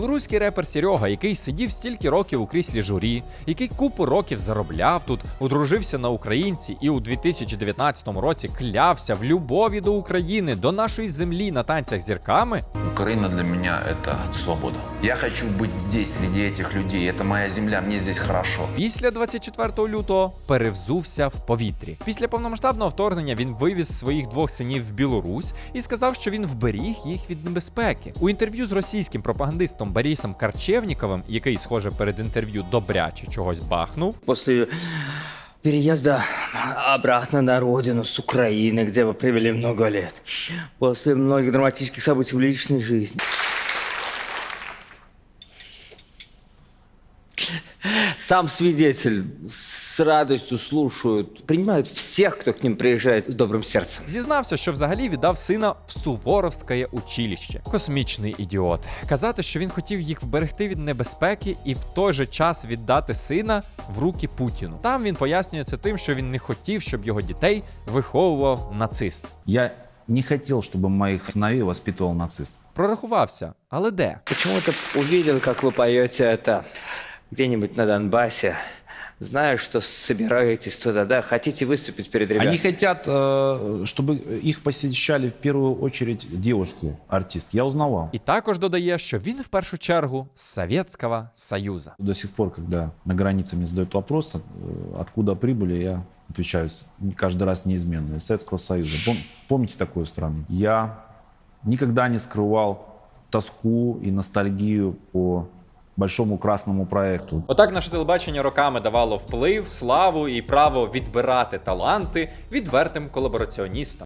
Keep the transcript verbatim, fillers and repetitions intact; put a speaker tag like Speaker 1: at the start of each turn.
Speaker 1: Білоруський репер Серега, який сидів стільки років у кріслі журі, який купу років заробляв тут, одружився на українці і у дві тисячі дев'ятнадцятому році клявся в любові до України, до нашої землі на танцях з зірками.
Speaker 2: Украина для меня – это свобода. Я хочу быть здесь, среди этих людей. Это моя земля, мне здесь хорошо.
Speaker 1: Після двадцять четвертого лютого перевзувся в повітрі. Після повномасштабного вторгнення він вивіз своїх двох синів в Білорусь і сказав, що він вберіг їх від небезпеки. У інтерв'ю з російським пропагандистом Борисом Корчевніковим, який, схоже, перед інтерв'ю добряче чогось бахнув.
Speaker 3: После переезда обратно на родину с Украины, где вы провели много лет, после многих драматических событий в личной жизни, сам свидетель с радостью слушают, принимают всех, кто к ним приезжает с добрым сердцем.
Speaker 1: Зізнався, що взагалі віддав сина в Суворовське училище. Космічний ідіот. Казати, що він хотів їх вберегти від небезпеки і в той же час віддати сина в руки Путіну. Там він пояснює це тим, що він не хотів, щоб його дітей виховував нацист.
Speaker 4: Я не хотел, чтобы моих сыновей воспитывал нацист.
Speaker 1: Прорахувався, але де?
Speaker 3: Почему-то увидел, как вы поете это где-нибудь на Донбассе. Знаю, что собираетесь туда, да? Хотите выступить перед ребятами?
Speaker 4: Они хотят, э, чтобы их посещали в первую очередь девушки, артистки. Я узнавал.
Speaker 1: І також додає, що він в першу чергу з Совєтського Союзу.
Speaker 4: До сих пор, когда на границе мне задают вопрос, э, откуда прибыли, я отвечаю с- каждый раз неизменно. Из Советского Союза. Пом- помните такую страну? Я никогда не скрывал тоску и ностальгию по большому красному проекту.
Speaker 1: Отак наше телебачення роками давало вплив, славу і право відбирати таланти відвертим колабораціоністам.